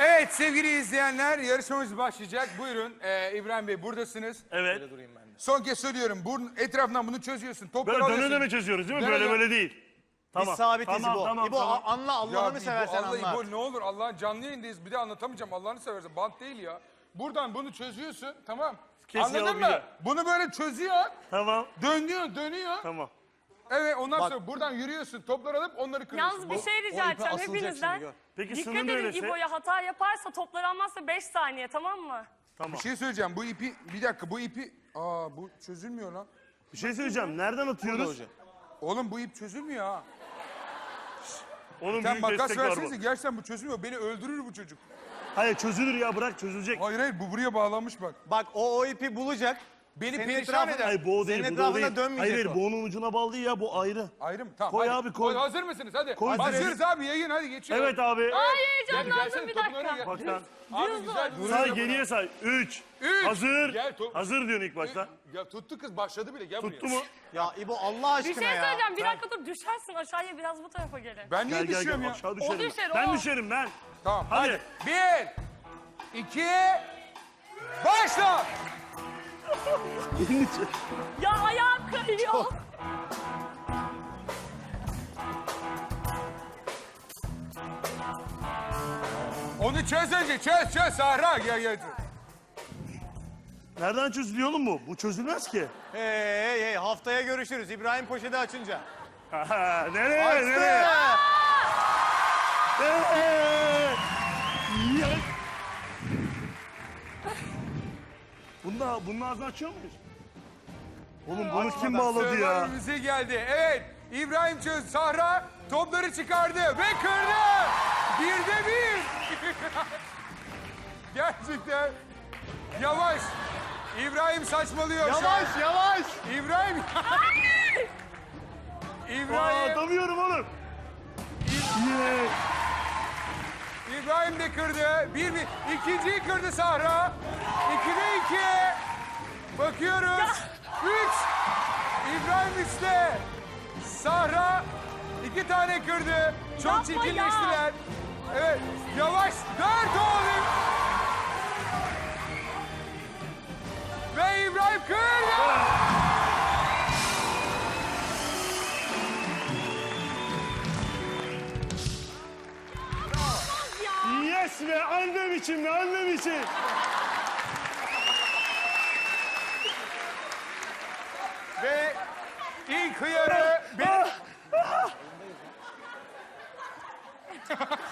Evet sevgili izleyenler, yarışmamız başlayacak. Buyurun İbrahim Bey, buradasınız. Evet. Son kez söylüyorum, etrafından bunu çözüyorsun. Topları Böyle alıyorsun. döne döne çözüyoruz değil mi? Döne Böyle döne. böyle değil. Tamam. Biz sabitiz tamam, İbo. Tamam, İbo tamam. anla Allah'ını İbo, seversen Allah anlat. İbo, ne olur Allah, canlı yayındayız, bir de anlatamayacağım, Allah'ını seversen. Bant değil ya. Buradan bunu çözüyorsun, tamam. Kesin Anladın mı? yapacağım. Bunu böyle çözüyor, Tamam. dönüyor. Tamam. Evet, ondan sonra buradan yürüyorsun, topları alıp onları kırıyorsun. Yalnız bir şey rica edeceğim hepinizden. Peki Dikkat sınır edin neresi? İbo'ya, hata yaparsa topları almazsa 5 saniye, tamam mı? Tamam. Bir şey söyleyeceğim, bu ipi, bir dakika bu ipi, bu çözülmüyor lan. Bir şey söyleyeceğim. Nereden atıyoruz? Oğlum bu ip çözülmüyor ha. Onun Sen büyük makas destek var versenize, bu. gerçekten bu çözülmüyor. Beni öldürür bu çocuk. Hayır çözülür ya, bırak çözülecek. Hayır hayır, bu buraya bağlanmış bak. Bak o ipi bulacak. Beni Senin perişan etrafına- eder. Hayır bu o değil, Senin bu da o etrafına değil. dönmeyecek Hayır, o. boğunun ucuna bağlı değil ya, bu ayrı. Ayrı mı? Tamam. Koy hadi. abi, koy. Hazır mısınız? Hadi. Koy, Hazırız abi, yayın hadi geçiyor. Evet abi. Ay Gel, heyecanlandım gelsene, bir topun önüne dakika. gel. Bak sen. Abi güzel. Say geriye say. 3. Üç. Hazır. Gel, Hazır diyorsun ilk başta. Ya tuttu kız, başladı bile, gel Tuttu buraya. mu? Ya İbo Allah Bir aşkına şey ya. söyleyeceğim, bir dakika dur, düşersin aşağıya, biraz bu tarafa gelin. Ben niye Gel gel düşüyorum gel, ya? aşağı düşerim. düşer, ben o. düşerim ben. Tamam Hadi. hadi. 1, 2, başla. Ya ayağım kayıyor. Onu çöz önce, çöz Sahra. Gel. Nereden çözülüyor oğlum bu? Bu çözülmez ki. Hey haftaya görüşürüz İbrahim poşeti açınca. Nereye? Açtı. Nereye? Nereye? Ya. Bunun ağzını açıyor muyuz? Oğlum bunu kim bağladı ya? Sırlar müziği geldi. Evet, İbrahim çöz. Sahra topları çıkardı ve kırdı. 1'de 1. Gerçekten. Yavaş. İbrahim saçmalıyor şu an. Yavaş. İbrahim. İbrahim. Atamıyorum oğlum. Yeah. İbrahim de kırdı. 1-1. İkinciyi kırdı Sahra. 2'de 2. Bakıyoruz. 3. İbrahim 3'te. Sahra 2 tane kırdı. Çok Yapma çirkinleştiler. Evet. Yavaş. 4 oğlum. Ve İbrahim kırdı. Yes be, annem için be, annem için. Ve ilk hıyarı...